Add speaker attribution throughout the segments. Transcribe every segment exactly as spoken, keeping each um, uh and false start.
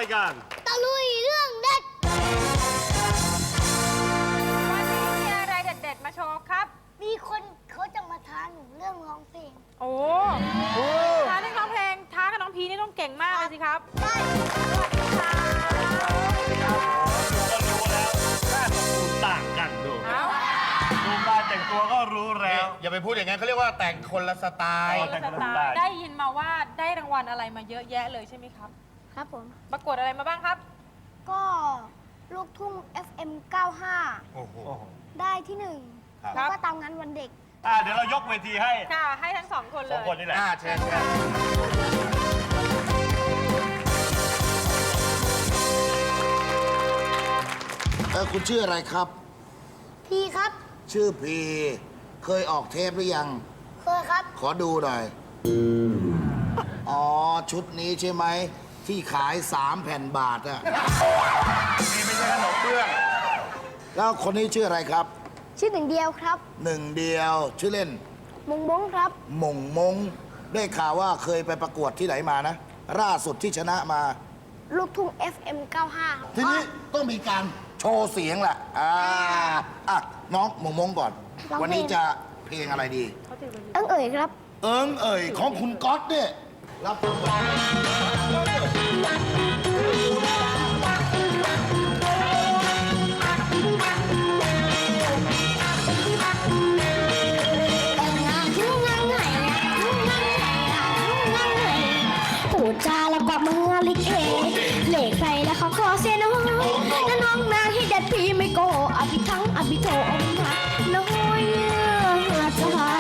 Speaker 1: ายการ
Speaker 2: ตะลุยเรื่องเด็ด
Speaker 3: วันนี้มีอะไรเด็ดๆมาโชว์ครับ
Speaker 2: มีคนเขาจะมาท้าหนูเรื่องร้องเพลง
Speaker 3: โอ้ท้าเรื่องร้องเพลงท้ากับน้องพีนี่ต้องเก่งมากเลยสิครับ
Speaker 2: ได้
Speaker 3: สวัสดีค่ะ
Speaker 1: ต่างกันดูดูการแต่งตัวก็รู้แล้ว
Speaker 4: อย่าไปพูดอย่างนั้นเขาเรียกว่าแต่งคนละสไตล์
Speaker 3: แต่งคนละสไตล์ได้ยินมาว่าได้รางวัลอะไรมาเยอะแยะเลยใช่ไหมครับ
Speaker 2: ครับผม
Speaker 3: ประกวดอะไรมาบ้างครับ
Speaker 2: ก็ลูกทุ่ง เอฟ เอ็ม เก้าห้า
Speaker 4: โอ้โห
Speaker 2: ได้ที่หนึ่งแล้วก็ตามงานวันเด็ก
Speaker 1: อ่าเดี๋ยวเรายกเวทีให้
Speaker 3: ค่ะให้ทั้งสองคนเลย
Speaker 1: สองคนนี่แหละ
Speaker 4: อ่าเชิญครับ
Speaker 5: เออคุณชื่ออะไรครับ
Speaker 2: พี่ครับ
Speaker 5: ชื่อพีเคยออกเทปหรือยัง
Speaker 2: เคยครับ
Speaker 5: ขอดูหน่อยอ๋อชุดนี้ใช่ไหมที่ขายสามแผ่นบาทอะ
Speaker 4: นี่ไม่ใช่ขนมเบื้อง
Speaker 5: แล้วคนนี้ชื่ออะไรครับ
Speaker 2: ชื่อหนึ่งเดียวครับ
Speaker 5: หนึ่งเดียวชื่อเล่น
Speaker 2: มงมงครับ
Speaker 5: มงมงได้ข่าวว่าเคยไปประกวดที่ไหนมานะล่าสุดที่ชนะมา
Speaker 2: ลูกทุ่ง เอฟ เอ็ม เก้าห้า
Speaker 5: ทีนี้ต้องมีการโชว์เสียงแหละอ่าอ่ะน้องมงมงก่อนวันนี้จะเพลงอะไรดี
Speaker 2: เอิงเอ๋ยครับ
Speaker 5: เอิงเอ๋ยของคุณก๊อตเนี่ยรับฟังก่อน
Speaker 2: พูดจาแล้วก็มือลิเกเหล็กใส่แล้วเขาขอเสียน้องแล้วน้องนางให้เด็ดพี่ไม่โกอภิทั้งอภิโทอมหักน้อยใจ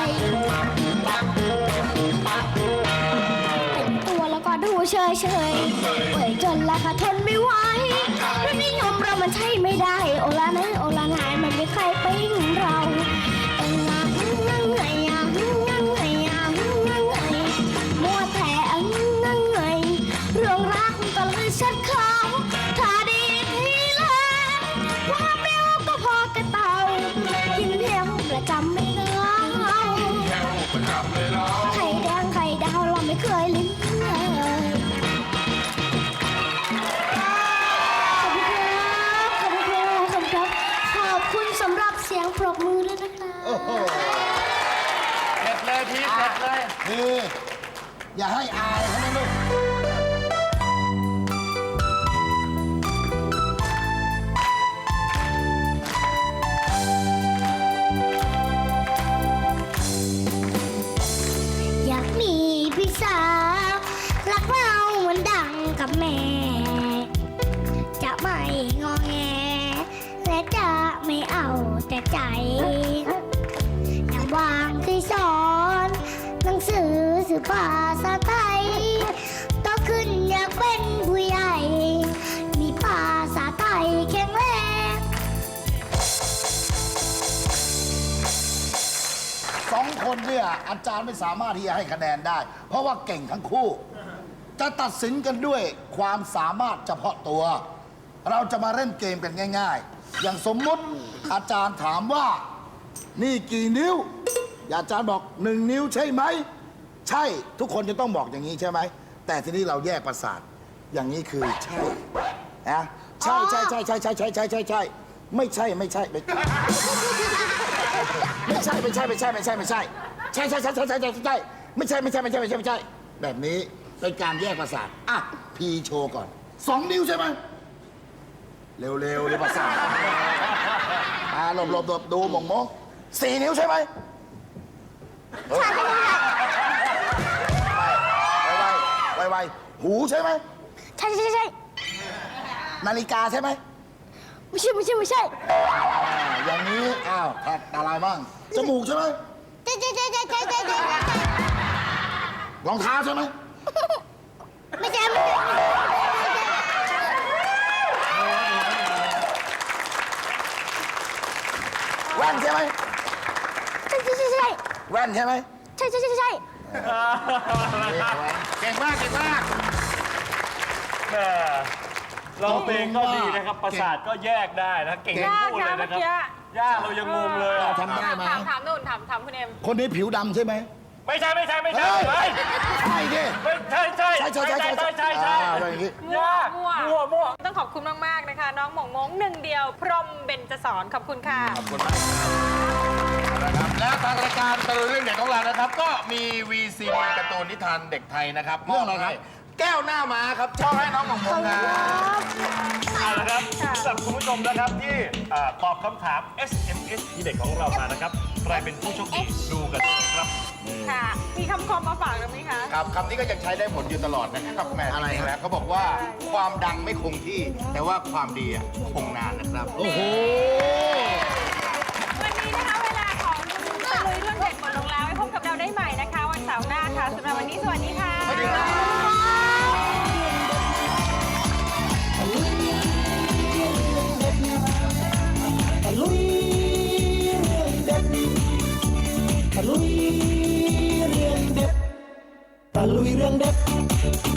Speaker 2: เป็นตัวแล้วก็ดูเฉยเฉยเอ่ยจนแล้วก็ทนไม่ไหวรสนิยมเรามันใช่ไม่ได้โอลานะโอลานายมันไม่ใครปิ้งเราเอ็งงางังไงอ่ะงังไงอ่ะงังไงมัวแต่งังไงเรื่องรักก็เลยชัดเขาถ้าดีทีแล้วความเร็วก็พอกระเต่ากินเพียงประจำไม่เลือกไข่แดงไข่ดาวเราไม่เคยลิ้มเลยขอบคุณครับขอบคุณครับขอบคุณสำหรับเสียงปรบมือด้วยนะคะ
Speaker 4: เด็ดเลยพี่เด็ดเลย
Speaker 5: พี่อย่าให้อายเขานะลูก
Speaker 2: อยากมีพี่สาวรักเราเหมือนดังกับแม่จะไม่งอแงและจะไม่เอาแต่ใจอย่างวางที่สอนหนังสือสื่อภาษาไทยโตขึ้นอยากเป็นผู้ใหญ่มีภาษาไทยแข็งแรง
Speaker 5: สองคนเนี่ยอาจารย์ไม่สามารถที่จะให้คะแนนได้เพราะว่าเก่งทั้งคู่จะตัดสินกันด้วยความสามารถเฉพาะตัวเราจะมาเล่นเกมกันง่ายๆอย่างสมมุติอาจารย์ถามว่านี่กี่นิ้วอาจารย์บอกหนึ่งนิ้วใช่ไหมใช่ทุกคนจะต้องบอกอย่างนี้ใช่ไหมแต่ทีนี้เราแยกประสาทอย่างนี้คือใช่นะใช่ใช่ใช่ใช่ใช่ใช่ใช่ใช่ใช่ไม่ใช่ไม่ใช่ไม่ไม่ใช่ไม่ใช่ไม่ใช่ไม่ใช่ไม่ใช่ใช่ใช่ใช่ใช่ใช่ใช่ใช่ไม่ใช่ไม่ใช่ไม่ใช่ไม่ใช่ไม่ใช่แบบนี้เป็นการแยกประสาทอ่ะพีโชว์ก่อนสองนิ้วใช่ไหมเร็วๆเร็วประสาทอ่าหลบหลบหลบดูมองมองสี่นิ้วใช่ไหมใช่ไวไวไวหูใช่ไหม
Speaker 2: ใช่ใช่ใช่
Speaker 5: นาฬิกาใช่ไหม
Speaker 2: ไม่ใช่ไม่ใช่ไม่ใช่
Speaker 5: อย่างนี้อ้าวแท็กอะไรบ้างจมูกใช่ไหม
Speaker 2: ใช่ใช่ใช่ใช่ใช่ใช่ใช่
Speaker 5: รองเท้าใช่ไหม
Speaker 2: ไม่ใช่ไม่ใช่
Speaker 5: แว่นใช่ไหม
Speaker 2: ใช่ใช่ใช่ใช่
Speaker 5: แว่นใช่ไหม
Speaker 2: ใช่ใช่ใช่ใช่
Speaker 4: เก่งมากเก่งมาก
Speaker 1: แม่ร้องเพลงก็ดีนะครับประสาทก็แยกได้นะเก่งทั้งคู่เลยนะครับยากเรายังงงเลย
Speaker 5: ทำได้ไหม
Speaker 3: ถามถามนู่นถามถามคุณเอ็ม
Speaker 5: คนนี้ผิวดำใช่ไหม
Speaker 1: ไม่ใช่ไม่ใช่ไม่ใช่
Speaker 5: เฮ้ย
Speaker 1: เฮ้ย
Speaker 5: ใช่ดิ
Speaker 1: ไม่ใช่ใช่
Speaker 5: ใช่ใช่ใช่
Speaker 1: ใช่ใช่ใช่ใช่
Speaker 5: อ่าอะไรอย่างงี้
Speaker 3: มั่วมั่ว
Speaker 1: มั่วมั่ว
Speaker 3: ต้องขอบคุณมากๆนะคะ น้องหม่องมงหนึ่งเดียว พรหมเบญจสอนขอบคุณค่ะ
Speaker 4: ขอบคุณมากนะครับและทางรายการตะลุยเรื่องเด็กของเรานะครับ ก็มีวีซีการ์ตูนนิทานเด็กไทยนะครับ
Speaker 5: เรื่องอะไรครับ
Speaker 4: มบให้แก้วหน้าม้าครับชอบให้น้องหมองมงครับ
Speaker 1: เอาละครับสำหรับคุณผู้ชมนะครับที่อ่าตอบคำถาม เอส เอ็ม เอส ที่เด็กของเรามานะครับใครเป็นผู้โชคดีดูกันครับ
Speaker 3: ค่ะ มีคำคมมาฝากกันไหมคะ
Speaker 4: ครับคำนี้ก็ยังใช้ได้ผลอยู่ตลอดนะครับแหม่
Speaker 5: อะไร
Speaker 4: จริงๆ
Speaker 5: ครับ
Speaker 4: แล้วเขาบอกว่าความดังไม่คงที่ แต่ว่าความดีอะคงนานนะครับ
Speaker 5: โอ้โห
Speaker 3: วันนี้นะคะเวลาของตะลุยเรื่องเด็กหมดลงแล้วไว้พบกับเราได้ใหม่นะคะ วันเสาร์หน้าค่ะสำหรับวันนี้สวัสดีค่ะ
Speaker 4: สวัสดีครับ
Speaker 6: ตะลุยเรื่องเด็ดตะลุยเรื่องเด็ดตะลุยเรื่องเด็ด